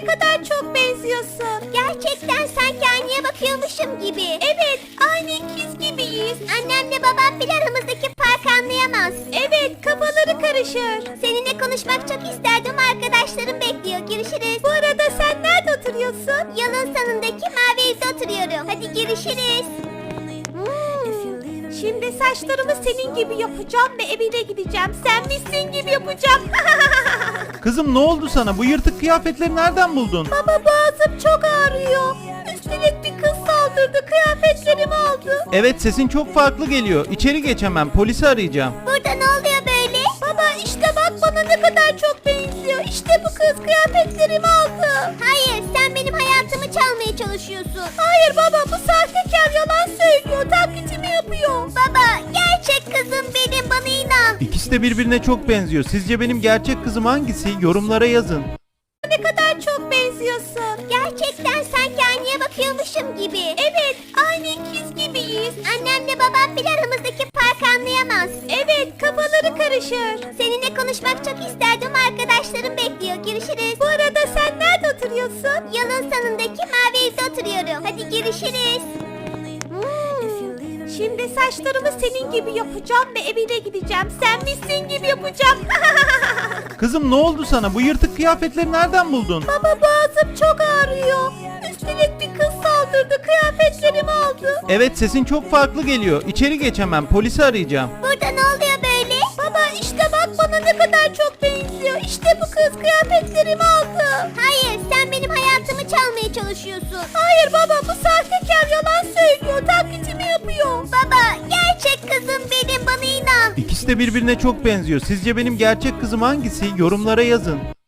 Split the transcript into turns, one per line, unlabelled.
ne kadar çok benziyorsun. Gerçekten sanki aynaya bakıyormuşum gibi. Evet, aynı ikiz gibiyiz. Annemle babam bile aramızdaki farkı anlayamaz. Evet, kafaları karışır. Seninle konuşmak çok isterdim, arkadaşlarım bekliyor. Görüşürüz. Bu arada sen nerede oturuyorsun? Yolun sonundaki mavi evde oturuyorum. Hadi görüşürüz. Şimdi saçlarımı senin gibi yapacağım ve evine gideceğim. Sen misin gibi yapacağım.
Kızım ne oldu sana? Bu yırtık kıyafetleri nereden buldun?
Baba, boğazım çok ağrıyor. Üstelik bir kız saldırdı, kıyafetlerimi aldı.
Evet, sesin çok farklı geliyor. İçeri geç hemen, polisi arayacağım.
Burada ne oluyor böyle? Baba işte bak, bana ne kadar çok benziyor. İşte bu kız kıyafetlerimi aldı. Hayır, sen benim hayatımı çalmaya çalışıyorsun. Hayır baba, bu sahtekar yalan söylüyor. Taklitimi yapıyor. Baba, gerçek kızım benim, bana inan.
İkisi de birbirine çok benziyor. Sizce benim gerçek kızım hangisi? Yorumlara yazın.
Ne kadar çok benziyorsun. Gerçekten sanki aynaya bakıyormuşum gibi. Evet, aynı ikiz gibiyiz. Annemle babam bile aramızdaki farkı anlayamaz. Evet, kafaları karışır. Seninle konuşmak çok isterdim, arkadaşlarım bekliyor. Görüşürüz. Bu arada sen nerede oturuyorsun? Yolun sonundaki mavi evde oturuyorum. Hadi görüşürüz. Şimdi saçlarımı senin gibi yapacağım ve evine gideceğim. Sen misin gibi yapacağım.
Kızım ne oldu sana? Bu yırtık kıyafetleri nereden buldun?
Baba, boğazım çok ağrıyor. Üstelik bir kız saldırdı, kıyafetlerimi aldı.
Evet, sesin çok farklı geliyor. İçeri geç hemen, polisi arayacağım.
Burada ne oluyor böyle? Baba işte bak, bana ne kadar çok benziyor. İşte bu kız kıyafetlerimi aldı. Hayır, sen benim hayatımı çalmaya çalışıyorsun. Hayır baba, bu sahtekar yalan söylüyor. Taklitimi yapıyor. Baba, gerçek kızım benim, bana inan.
İkisi de birbirine çok benziyor. Sizce benim gerçek kızım hangisi? Yorumlara yazın.